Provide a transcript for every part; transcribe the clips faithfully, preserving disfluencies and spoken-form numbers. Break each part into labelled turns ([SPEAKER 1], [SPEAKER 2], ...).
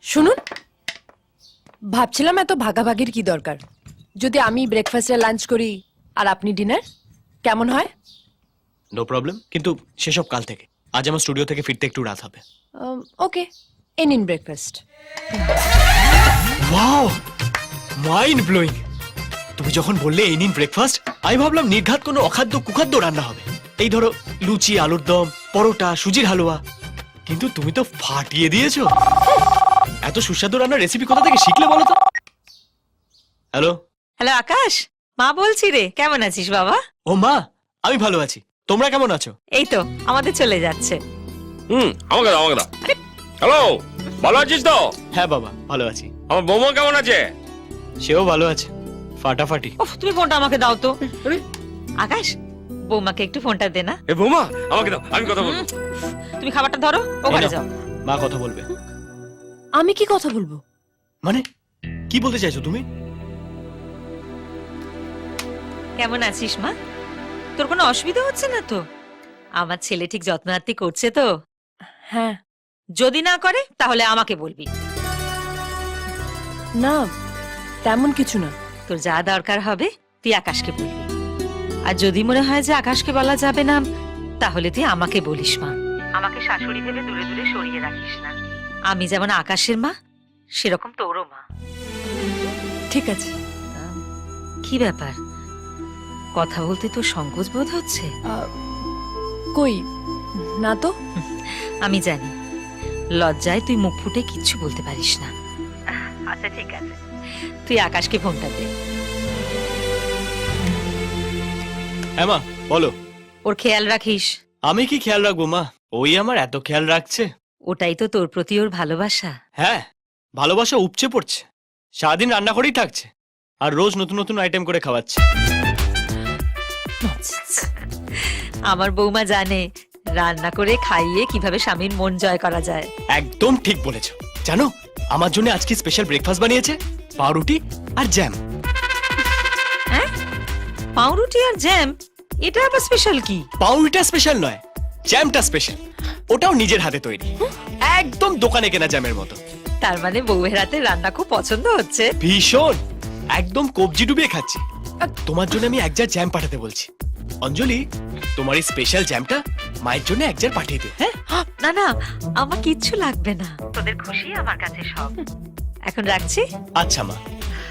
[SPEAKER 1] শুনুন, ভাবছিলাম এত ভাগাভাগির কি দরকার। যদি আমি ব্রেকফাস্টে লাঞ্চ করি আর আপনি ডিনার, কেমন হয়?
[SPEAKER 2] নো প্রবলেম, কিন্তু সেসব কাল থেকে। আজ আমার স্টুডিও থেকে ফিরতে একটু রাত হবে।
[SPEAKER 1] ওকে, এ নিন ব্রেকফাস্ট।
[SPEAKER 2] Wow, mind blowing. তুমি যখন বললে এই নিন ব্রেকফাস্ট, আমি ভাবলাম নির্ঘাত কোনো অখাদ্য কুখাদ্য রান্না হবে। এই ধরো লুচি, আলুর দম, পরোটা, সুজির হালুয়া। কিন্তু তুমি তো ফাটিয়ে দিয়েছো। এত সুস্বাদু রান্নার রেসিপি কোথা থেকে শিখলে বলো তো? হ্যালো
[SPEAKER 3] হ্যালো আকাশ, মা বলছি রে, কেমন আছিস বাবা?
[SPEAKER 2] ও মা, আমি ভালো আছি। তোমরা কেমন আছো?
[SPEAKER 3] এই তো আমাদের চলে যাচ্ছে।
[SPEAKER 4] হুম, আমাকে দাও আমাকে দাও। হ্যালো, ভালো আছিস তো?
[SPEAKER 2] হ্যাঁ বাবা, ভালো আছি।
[SPEAKER 4] আমার বৌমা কেমন আছে?
[SPEAKER 2] সেও ভালো আছে, ফাটাফাটি।
[SPEAKER 3] উফ, তুমি ফোনটা আমাকে দাও তো। আকাশ, বৌমাকে একটু ফোনটা দে না।
[SPEAKER 4] এ বৌমা, আমাকে দাও, আমি কথা বলবো।
[SPEAKER 3] তুমি খাবারটা ধরো, ওখানে
[SPEAKER 2] এই নাও,
[SPEAKER 3] যাও।
[SPEAKER 2] মা কথা বলবে।
[SPEAKER 1] আমি কি কথা বলবো?
[SPEAKER 2] মানে কি বলতে চাইছো তুমি?
[SPEAKER 3] কেমন আছিস মা? তোর কোনো অসুবিধা হচ্ছে না তো? আমার ছেলে ঠিক যত্ন আত্তি করছে তো?
[SPEAKER 1] হ্যাঁ।
[SPEAKER 3] যদি না করে তাহলে আমাকে বলবি।
[SPEAKER 1] না, তেমন কিছু না।
[SPEAKER 3] তোর যা দরকার হবে তুই আকাশকে বলবি। আর যদি মনে হয় যে আকাশকে বলা যাবে না, তাহলে তুই আমাকে বলিস মা। আমাকে শাশুড়ি ভেবে দূরে দূরে সরিয়ে রাখিস না। আমি যেমন আকাশের মা, সেরকম তোরও মা।
[SPEAKER 1] ঠিক আছে।
[SPEAKER 3] আম, কি ব্যাপার, কথা বলতে তোর সংকোচ বোধ হচ্ছে?
[SPEAKER 1] আহ, কই না তো।
[SPEAKER 3] আমি জানি, লজ্জায় তুই মুখ ফুটে কিচ্ছু বলতে পারিস না। আচ্ছা ঠিক আছে, তুই আকাশকে ফোনটা দে।
[SPEAKER 2] হ্যাঁ মা, বলো।
[SPEAKER 3] ওর খেয়াল রাখিস।
[SPEAKER 2] আমি কি খেয়াল রাখবো মা? ওই আমার এত খেয়াল রাখছে।
[SPEAKER 3] ওটাই তো তোর প্রতি ওর ভালোবাসা।
[SPEAKER 2] হ্যাঁ, ভালোবাসা উপচে পড়ছে। সারাদিন রান্না করেই থাকছে, আর রোজ নতুন নতুন আইটেম করে খাওয়াচ্ছে।
[SPEAKER 3] আমার বৌমা জানে রান্না করে খাইয়ে কিভাবে স্বামীর মন জয় করা যায়।
[SPEAKER 2] একদম ঠিক বলেছো। জানো, আমার জন্য আজকে স্পেশাল ব্রেকফাস্ট বানিয়েছে, পাউরুটি আর জ্যাম।
[SPEAKER 3] হ্যাঁ, পাউরুটি আর জ্যাম? এটা আবার স্পেশাল কি?
[SPEAKER 2] পাউরুটিটা স্পেশাল নয়, জ্যামটা স্পেশাল। ওটাও নিজের হাতে তৈরি, একদম দোকানে কেনা জ্যামের মতো।
[SPEAKER 3] তার মানে বউয়ের হাতে রান্না খুব পছন্দ হচ্ছে।
[SPEAKER 2] ভীষণ, একদম কবজি ডুবিয়ে খাচ্ছি। আর তোমার জন্য আমি এক জার জ্যাম পাঠাতে বলছি। অঞ্জলি, তোমার এই স্পেশাল জ্যামটা মায়ের জন্য এক জার পাঠিয়ে দিও। হ্যাঁ,
[SPEAKER 3] না না, আমার কিচ্ছু লাগবে না, তোদের খুশি আমার কাছে সব। এখন রাখছি।
[SPEAKER 2] আচ্ছা মা।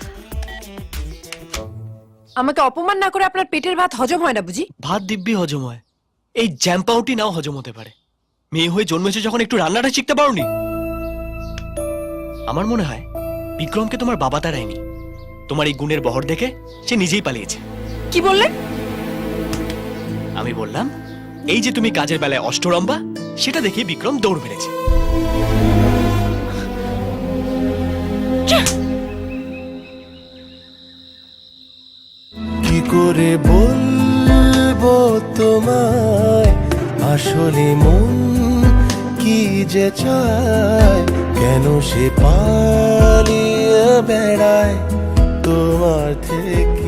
[SPEAKER 1] আমাকে অপমান না করে আপনার পেটের ভাত হজম হয় না বুঝি?
[SPEAKER 2] ভাত দিব্যি হজম হয়, এই জ্যাম পাউটি নাও হজম হতে পারে। মেয়ে হয়ে জন্মেছে যখন একটু রান্নাটা শিখতে পারোনি? আমার মনে হয় বিক্রমকে তোমার বাবা তারায়নি। তোমার এই গুণের বহর দেখে সে নিজেই পালিয়েছে।
[SPEAKER 1] কি বললেন?
[SPEAKER 2] আমি বললাম, এই যে তুমি কাজের বেলায় অষ্টরম্বা, সেটা দেখে বিক্রম দৌড় মেরেছে।
[SPEAKER 5] কি করে বলবো তোমায় আসলে মন কি যে চায়, কেন সে পালিয়ে বেড়ায় তোমার থেকে।